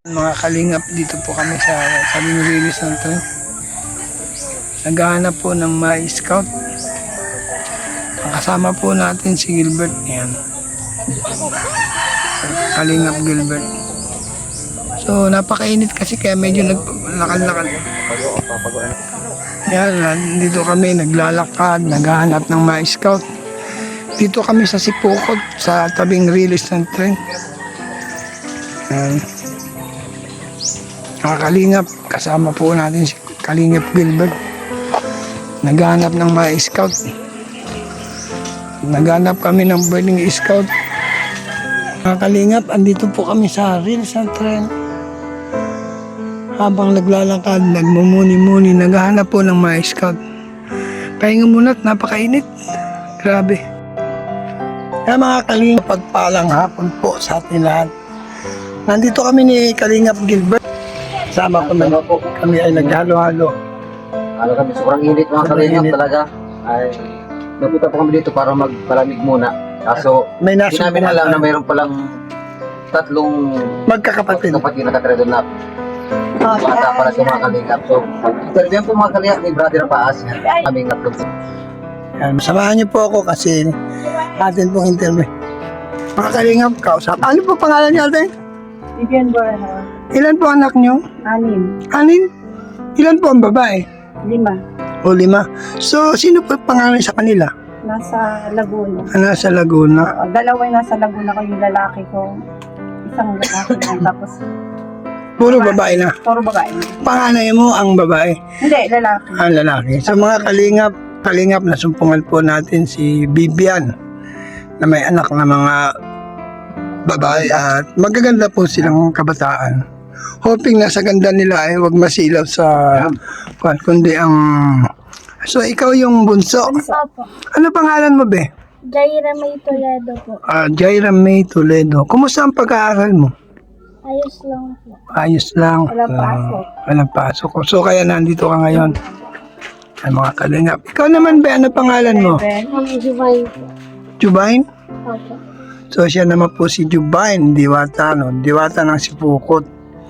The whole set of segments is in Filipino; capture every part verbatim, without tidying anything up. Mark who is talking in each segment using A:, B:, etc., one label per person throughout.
A: Mga kalingap, dito po kami sa sabing release ng tren. Naghahanap po ng mga scout. Ang kasama po natin si Gilbert. Ayan. Kalingap Gilbert. So napakainit kasi kaya medyo naglakad-lakad. Ayan, dito kami naglalakad, naghahanap ng mga scout. Dito kami sa Sipokot, sa tabing release ng tren. Ayan. Mga kalingap, kasama po natin si Kalingap Gilbert. Naghanap ng mga scout. Naghanap kami ng pwedeng scout. Mga kalingap, andito po kami sa release ng tren. Habang naglalakad, nagmumuni-muni, naghahanap po ng mga scout. Pahinga muna at napakainit. Grabe. Kaya mga kalingap, pagpalang hapon po sa atin lahat. Nandito kami ni Kalingap Gilbert. Sama ko na po. Kami ay naghalo-halo.
B: Ano kami, sobrang init mga kalingap talaga. Ay, napunta po kami dito para magpalamig muna. Kaso,
A: May
B: hindi
A: nasa
B: namin alam na mayroon palang tatlong
A: magkakapatid.
B: kapatid na nakatira doon na bata para sa mga kalingap. So, interview po mga kalingap ni Brother Paas. Kaming natlong.
A: Yan, samahan niyo po ako kasi atin pong interview. Mga kalingap, kausap. Ano po pangalan niyo atin?
C: Vivian Borja.
A: Ilan po anak niyo?
C: Anim.
A: Anin? Ilan po ang babae?
C: Lima.
A: O lima. So, sino po pangalan sa kanila?
C: Nasa Laguna.
A: Ah, nasa Laguna.
C: O, dalawa yung nasa Laguna ko, yung lalaki ko. Isang lalaki lang. Tapos,
A: Puro babae na.
C: puro babae.
A: Panganay mo ang babae.
C: Hindi, lalaki.
A: Ang lalaki. Sa mga kalingap, kalingap na sumpungan po natin si Vivian na may anak na mga babae at magaganda po silang kabataan. Hoping na sa ganda nila ay wag masilaw sa kwan, kundi ang... So, ikaw yung bunso.
D: Opo.
A: Ano pangalan mo, be?
D: Jaira May Toledo po.
A: Ah, Jaira May Toledo. Kumusta ang pag-aaral mo?
D: Ayos lang po.
A: Ayos lang.
C: Walang pasok.
A: Ah, walang pasok. So, kaya nandito ka ngayon. Ay, mga kalingap. Ikaw naman, be, ano pangalan mo?
C: Seven.
D: Ang Jubain po.
A: Jubain?
D: Opo.
A: So, siya naman po si Jubain, Diwata, no? Diwata ng Sipokot.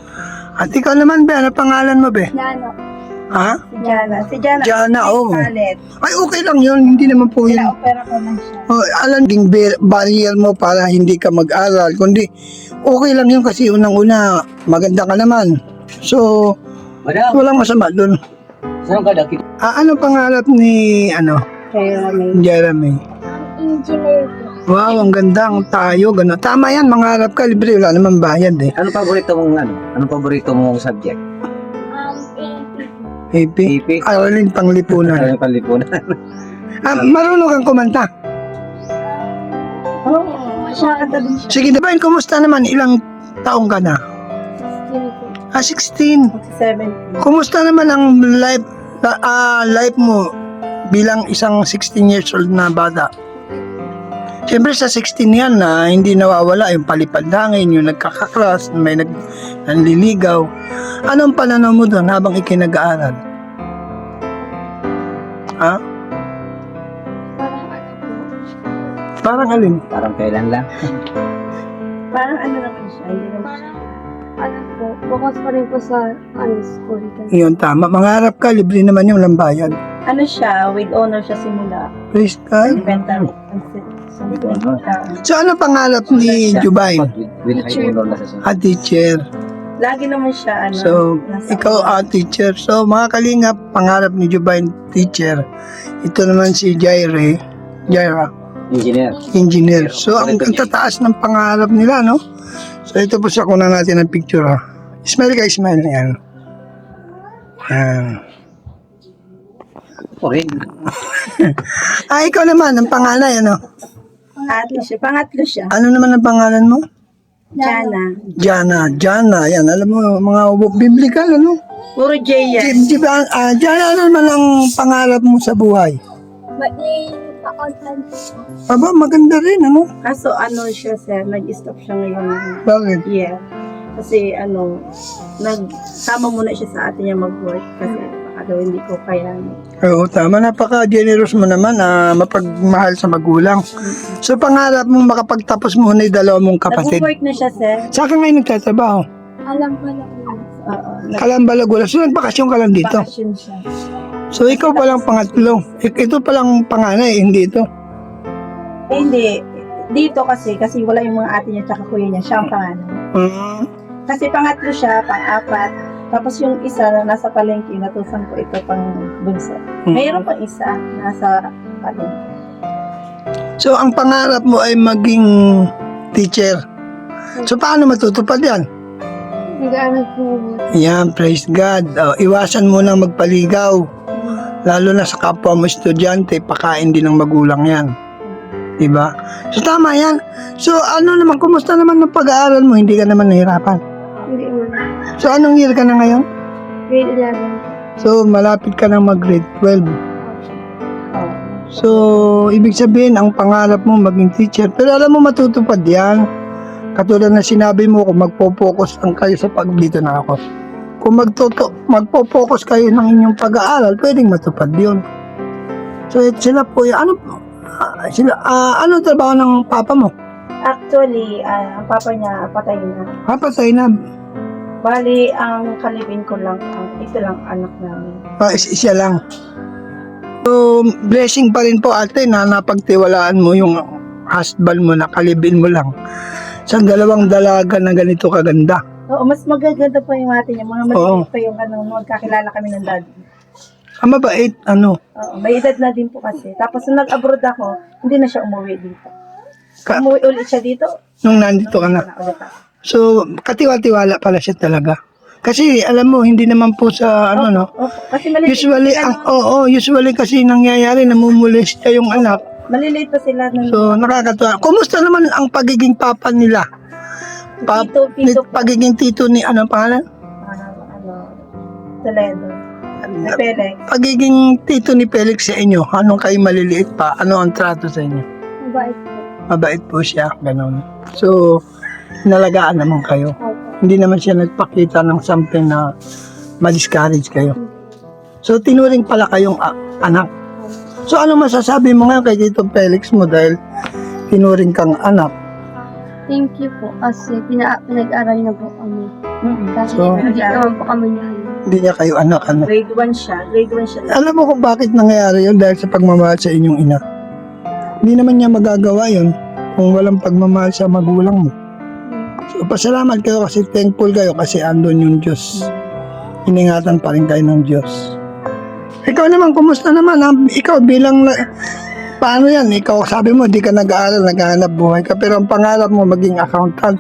A: At ikaw naman, be, ano pangalan mo, be?
D: Nano.
A: Ha?
C: Si Jana. Si Jana.
A: Jana, oo.
C: Palit.
A: Ay, okay lang yun. Hindi naman po yun.
C: Pina-opera ko lang siya.
A: Oh, alam ding bar- barrier mo para hindi ka mag-aral. Kundi, okay lang yun kasi unang-una, maganda ka naman. So,
B: Madam,
A: walang masama dun.
B: saan ka daki?
A: Ah, ano pangarap ni, ano,
C: Kaya may
A: Jeremy?
D: Engineer po.
A: Wow, ang ganda, ang tayo, gano'n. Tama yan, mangarap ka, libre, wala naman bayad eh.
B: Anong paborito mong ano? Anong paborito mong subject?
D: Um, A P po.
A: A P?
B: A P?
A: Aralin panglipunan.
B: Ano panlipunan?
A: Ah, marunong kang kumanta.
C: Oo, masyado din siya.
A: Sige, Divine, kumusta naman? Ilang taong ka na?
D: sixteen po.
A: Ah, sixteen.
C: seventeen.
A: Kumusta naman ang life, ah, life mo bilang isang sixteen years old na bata? Siyempre sa sixteen yan na hindi nawawala yung palipad hangin, yung nagkakakras, may nag, nanliligaw. Anong pananaw mo doon habang ikinag-aaral? Ha?
D: Parang ano po.
A: Parang alin?
B: Parang kailan lang.
C: Parang ano naman siya. Hindi naman siya.
D: Parang ano po. Focus pa rin po sa ano, school. Kasi
A: Yun, tama. Mangarap ka, libre naman yung lambayan.
C: Ano siya, with honor siya simula.
A: Praise God.
C: Elementary.
B: With honor.
A: So ano pangarap ni Jubain?
B: With, with high honor na sa sunod.
A: A teacher.
C: Lagi naman siya, ano.
A: So,
C: nasa-
A: ikaw a teacher. So, mga kalingap, pangarap ni Jubain, teacher. Ito naman si Jaire, Jaira,
B: Engineer.
A: engineer. So, ang, ang tataas ng pangarap nila, no? So, ito po sa kuna natin ng picture, ha? Smile ka, smile. Yan. Yan.
B: Okay.
A: Ah, ikaw naman, ang panganay, ano?
C: Pangatlo siya. Pangatlo siya.
A: Ano naman ang pangalan mo?
C: Jana.
A: Jana, Jana, yan. Alam mo, mga biblical, ano?
C: Puro J yan.
A: Di, di ba, ah, Jana, ano naman ang pangarap mo sa buhay?
D: maging accountant po.
A: Aba, maganda rin, ano?
C: Kaso ano siya, sir, nag-stop siya ngayon.
A: Bakit?
C: Yeah. Kasi ano, nagsama muna siya sa atin niya mag-work. Kasi baka daw hindi ko kaya.
A: Oo, tama. Napaka-generous mo naman, ah, mapagmahal sa magulang. So, pangarap mo makapagtapos muna yung dalawa mong kapatid.
C: Nag-work na siya, sir.
A: Sa akin ngayon nagtatrabaho.
D: Alam ko lang yun.
C: Oo.
A: Kalambalagulan. So, nagbakasyon ka lang dito.
C: Nag-vacation siya.
A: So, ikaw palang pangatlo. Ik- Ito palang panganay, hindi ito.
C: Eh, hindi. Dito kasi, kasi wala yung mga ate niya tsaka kuya niya. Siya ang panganay.
A: Hmm.
C: Kasi pangatlo siya, pang-apat. Tapos yung isa na nasa palengke, natusan ko ito pang bunso.
A: Hmm.
C: Mayroon pang isa nasa palengke.
A: So, ang pangarap mo ay maging teacher. So, paano matutupad yan?
D: Nag-aaral po ako.
A: Yan, praise God. Oh, iwasan mo na magpaligaw. Lalo na sa kapwa mo estudyante, pakain din ng magulang yan. Diba? So, tama yan. So, ano naman, kumusta naman ng pag-aaral mo? Hindi ka naman nahirapan.
D: Hindi mo.
A: So, anong year ka na ngayon?
D: Grade eleven.
A: So, malapit ka na mag-grade twelve.
C: Oh.
A: So, ibig sabihin, ang pangarap mo maging teacher. Pero alam mo, matutupad yan. Katulad na sinabi mo, kung magpo-focus lang kayo sa pag dito na ako. Kung magtuto, magpo-focus kayo ng inyong pag-aaral, pwedeng matupad yun. So, it, sila po, yung- ano, ah, sila, ah, anong trabaho ng papa mo?
C: Actually, ah, ang papa niya patay na.
A: Papatay na.
C: Bali, ang kalibin ko lang, ang ito lang anak namin.
A: Ah, is- siya lang. So, blessing pa rin po ate na napagtiwalaan mo yung husband mo, nakalibin mo lang sa dalawang dalaga na ganito kaganda.
C: Oo, mas magaganda pa yung ate niya. Mga
A: Oo.
C: maliit pa yung ano, magkakilala kami ng daddy.
A: Ang mabait, ano,
C: Oo, may edad na din po kasi. Tapos nung nag-abroad ako, hindi na siya umuwi dito.
A: Ka-
C: Umuwi ulit siya dito.
A: nung nandito ka na.
C: Na ulit ako.
A: So, katiwa-tiwala pala siya talaga. Kasi, alam mo, hindi naman po sa, ano, no?
C: Opo, kasi maliliit
A: Usually,
C: sila
A: ang,
C: nung-
A: oo, usually kasi nangyayari, namumulis siya yung anak.
C: maliliit pa sila nung
A: So, nakakatuwa. Kumusta naman ang pagiging papa nila? Pa,
C: tito,
A: ni,
C: tito,
A: pagiging tito ni, ano pangalan?
C: ano, ano, Toledo. Na Pelek.
A: Pagiging tito ni Felix sa inyo, anong kayo maliliit pa? Ano ang trato sa inyo?
D: Mabait po.
A: Mabait po siya, ganun. So, nalagaan naman kayo.
D: Opo.
A: Hindi naman siya nagpakita ng something na ma-discourage kayo. So, tinuring pala kayong a- anak. So, ano masasabi mo ngayon kay Tito Felix mo dahil tinuring kang anak?
D: Thank you po kasi pina pinag-aral niya po kami.
C: Mm-mm.
D: Kasi
A: So-
D: hindi naman po kami niya.
A: Hindi niya kayo anak, ano?
C: Grade one siya. Grade one siya.
A: Alam mo kung bakit nangyayari yun dahil sa pagmamahal sa inyong ina. Hindi naman niya magagawa yun kung walang pagmamahal sa magulang mo. So, pasalamat kayo kasi thankful kayo kasi andun yung Diyos. Iningatan pa rin kayo ng Diyos. Ikaw naman, kumusta naman? Ha? Ikaw bilang, na- paano yan? Ikaw, sabi mo, di ka nag-aaral, naghahanap buhay ka, pero ang pangarap mo maging accountant.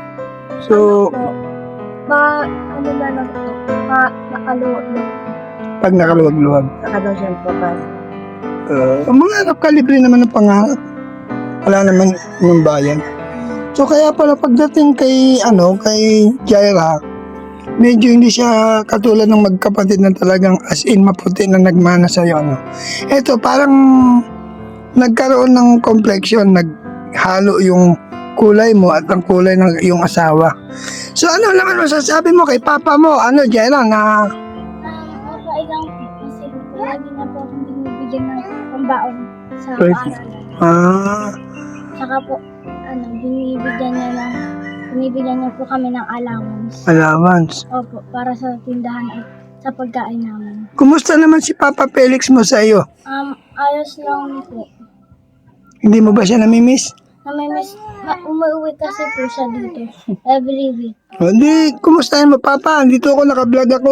A: So,
D: Po, ma, ano na lang po, ma, nakaluwag lang.
A: pag nakaluwag-luwag.
C: Saka daw siya papasok.
A: Uh, ang mangarap ka, libre naman ang pangarap. Wala naman yung bayan. So kaya pala pagdating kay ano kay Jaira, medyo hindi siya katulad ng magkapatid na talagang as in maputi na nagmana sa iyo, ano. Ito parang nagkaroon ng complexion, naghalo yung kulay mo at ang kulay ng iyong asawa. So ano naman masasabi mo kay papa mo, ano Jaira, na
D: Okay lang po kasi lagi na po akong binibigyan ng pambaon sa
A: Right.
D: paaralan.
A: ah,
D: Saka po, ano, binibigyan niya ng, binibigyan niya po kami ng allowance.
A: allowance.
D: Opo, para sa tindahan at sa pagkain namin.
A: Kumusta naman si Papa Felix mo sa iyo?
D: Um, ayos lang po.
A: Hindi mo ba siya namimiss?
D: Namimiss, ma- umuwi kasi po siya dito every week.
A: Hindi, kumustahin mo Papa? Dito ako, naka-vlog ako.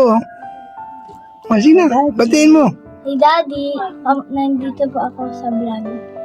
A: O, sige na, batiin mo.
D: Si Daddy, um, nandito po ako sa vlog.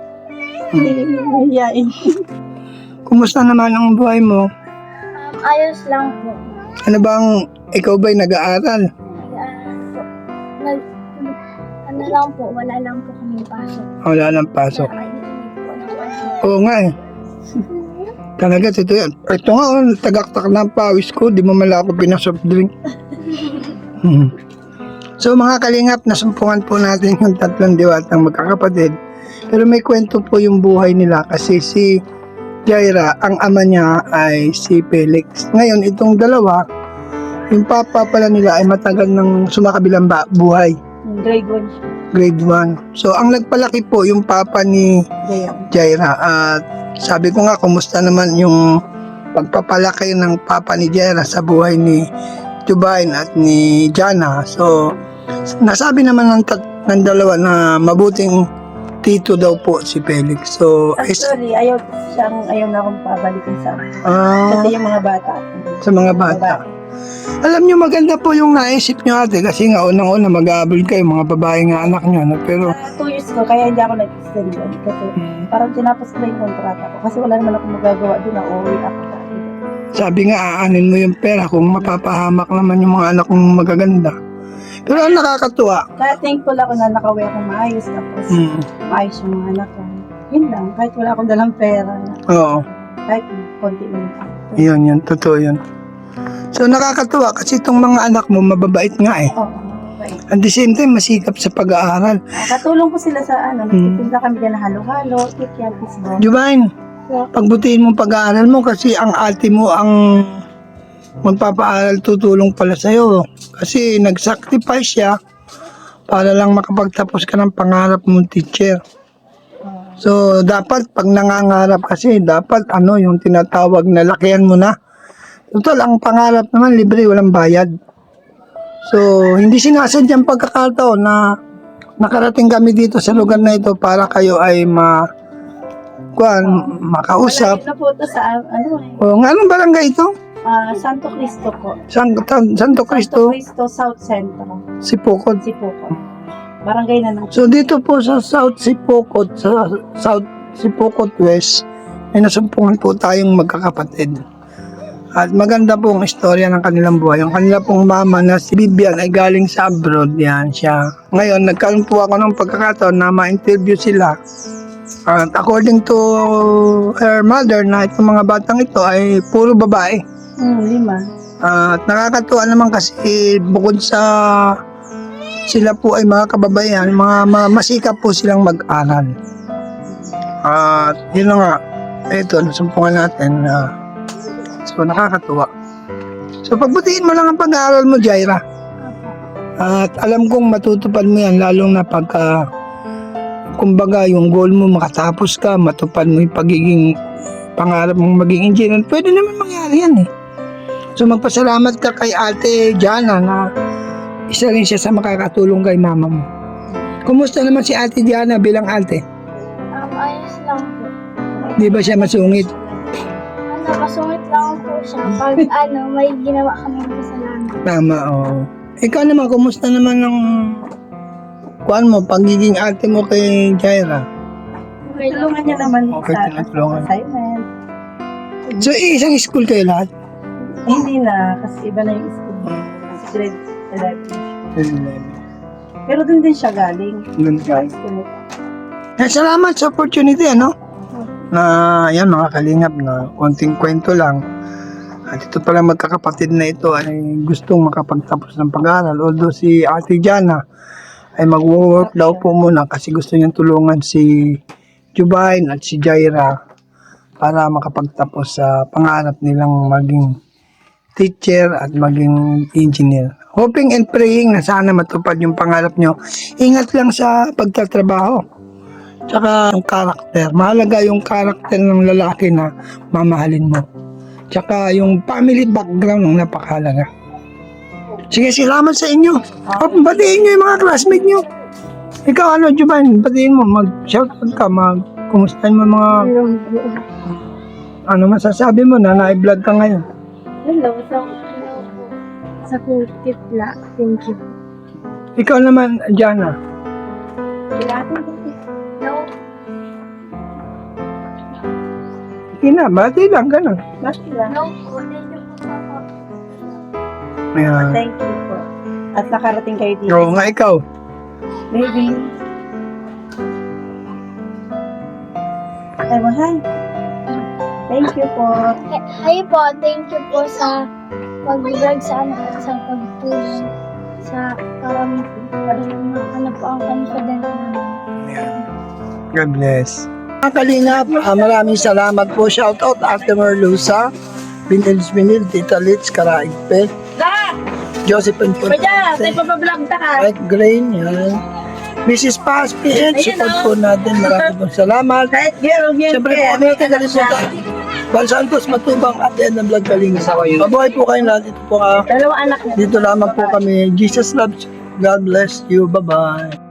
C: Hiyain.
A: Kumusta naman ang buhay mo?
D: Um, ayos lang po.
A: Ano bang, ikaw ba'y nag-aaral?
D: Ah, nag, ano lang po, wala lang po kami pasok.
A: Wala nang pasok.
D: Nakainig po ng pasok.
A: Oo nga eh. Talaga, totoo yan. Ito nga, oh, tagaktak na ang pawis ko. Di mo mala ako pinasoft drink. Hmm. So mga kalingap, nasumpungan po natin yung tatlong diwatang magkakapatid. Pero may kwento po yung buhay nila kasi si Jaira, ang ama niya ay si Felix. Ngayon, itong dalawa, yung papa pala nila ay matagal ng sumakabilang ba- buhay.
C: Grade one siya.
A: Grade one. So, ang nagpalaki po yung papa ni
C: Gaya.
A: Jaira. At sabi ko nga, kumusta naman yung pagpapalaki ng papa ni Jera sa buhay ni Jubain at ni Jana. So, nasabi naman ng, tat- ng dalawa na mabuting tito daw po si Felix. So, is,
C: Actually, ayaw siyang, ayaw na akong pabalikin sa
A: ah,
C: kasi yung mga bata.
A: sa mga bata. Alam nyo, maganda po yung naisip nyo ate kasi nga unang-una mag-aabol kayo, mga babae nga anak nyo. No? Pero,
C: Sa two years ko, kaya hindi ako nag-extend doon. Kasi parang tinapos ko na yung kontrata ko. Kasi wala naman akong magagawa doon na uuwi ako sa akin.
A: sabi nga, aanin mo yung pera kung mapapahamak naman yung mga anak kong magaganda. Pero ang nakakatuwa,
C: Kaya thankful ako na nakauwi akong maayos. Tapos
A: mm,
C: maayos yung mga anak ko. Yun lang, kahit wala akong dalang pera.
A: oo,
C: Kahit konti lang ako.
A: yun yun, totoo yun. So nakakatuwa kasi itong mga anak mo mababait nga eh.
C: Oo. Okay.
A: At the same time, masikap sa pag-aaral.
C: Ah, katulong ko sila sa ano, nagtitinda kami dyan na halo-halo, kikyan, pisbon.
A: Jubain, pagbutihin mo pag-aaral mo kasi ang ate mo ang magpapaaral, tutulong pala sa'yo. Kasi nag-sacrifice siya para lang makapagtapos ka ng pangarap mong teacher. So, dapat pag nangangarap kasi, dapat ano yung tinatawag na lakihan mo na. Total, ang pangarap naman, libre, walang bayad. So, hindi sinasadyang pagkakataon na nakarating kami dito sa lugar na ito para kayo ay ma kuan, makausap.
C: Malapit na po ito sa ano eh,
A: O, nga, anong barangay ito?
C: ah, Santo Cristo po.
A: San, San, Santo
C: Santo
A: Cristo,
C: Cristo South Central.
A: Sipokot.
C: Sipuko. Barangay na ng
A: So, dito po sa South Sipokot, sa South Sipokot West, ay nasumpungan po tayong magkakapatid. At maganda po ang istorya ng kanilang buhay. Yung kanila pong mama na si Bibian ay galing sa abroad. Yan siya. Ngayon, nagkaroon po ako ng pagkakataon na ma-interview sila. At according to her mother na itong mga batang ito ay puro babae.
C: hmm, lima.
A: At nakakatuwa naman kasi bukod sa sila po ay mga kababayan, mga, mga masikap po silang mag-aral. At yun na nga, ito, nasumpungan natin na so nakakatuwa. So pagbutihin mo lang ang pag-aaral mo, Jaira. At alam kong matutupad mo yan, lalong na pagka kumbaga yung goal mo makatapos ka, matupad mo yung pagiging pangarap mong maging engineer, pwede naman mangyari yan eh. So magpasalamat ka kay Ate Jana na isa rin siya sa makakatulong kay mama mo. Kumusta naman si Ate Jana bilang ate?
D: Um, ayos lang po.
A: Di ba siya masungit?
D: Ano, masungit lang po siya. Pag ano, may ginawa kami kasalanan.
A: Tama, oo. Ikaw naman, kumusta naman ng kuan mo, pagiging ate mo kay Jaira?
D: Okay lang.
C: Tulungan niya naman
A: Okay,
C: sa
A: tinutulungan.
C: assignment.
A: So, isang school kayo lahat?
C: Eh, hindi na, kasi iba na yung school. Kasi grade eleven. Pero dun din siya galing.
A: Doon
C: Sa
A: kayo.
C: school nito.
A: Eh, salamat sa opportunity, ano? Na, yan, mga kalingap na konting kwento lang. At ito pala magkakapatid na ito ay gustong makapagtapos ng pag-aaral. Although si Ate Jana ay mag-work daw po muna kasi gusto niyang tulungan si Jubain at si Jaira para makapagtapos sa pangarap nilang maging teacher at maging engineer. Hoping and praying na sana matupad yung pangarap nyo. Ingat lang sa pagtatrabaho. Tsaka yung karakter. Mahalaga yung karakter ng lalaki na mamahalin mo. Tsaka yung family background ng napakahalaga. Sige, salamat sa inyo. Oh, batiin nyo yung mga classmate nyo. Ikaw ano, Jubain, batiin mo. Mag-shoutout ka, mag-kumustahin mo mga... Ano masasabi mo na na-vlog ka ngayon?
C: Hello, so,
D: Sa kitla. Thank you.
A: Ikaw naman, Jana.
C: kailangan
D: No.
A: Ina, bati lang, ganun.
C: Bakit lang?
D: No po. Thank you po, Papa.
A: Ayan.
C: Thank you po. At nakarating kayo dito.
A: Oo nga, ikaw.
C: Baby. Ay mo, hi. Thank you po.
D: Hi- Hi po. Thank you po sa pag-vlog sa amin at sa pagtulong sa parang para ano po ang confident namin.
A: God bless. Mga kalingap, ah, maraming salamat po. Shout out Ate Merlusa, Binils Binil, Tita Litz, Karaigpe,
C: Da!
A: Josephine
C: Pa dyan! Sa'yo pa pa-vlog ta ka.
A: Mike Grain, yan. Missus Paz, P H,
C: Ayun,
A: support
C: oh.
A: po natin. Maraming pong salamat.
C: Kahit girl, girl,
A: Siyempre po,
C: girl.
A: ano natin kalimutan. Bal Santos, Matubang, at end ng vlog Kalingap.
B: Asawa yun.
A: Mabuhay po kayo lahat. Ito po, ah,
C: Dalawa anak niya.
A: dito lamang po kami. Jesus loves you. God bless you. Bye-bye.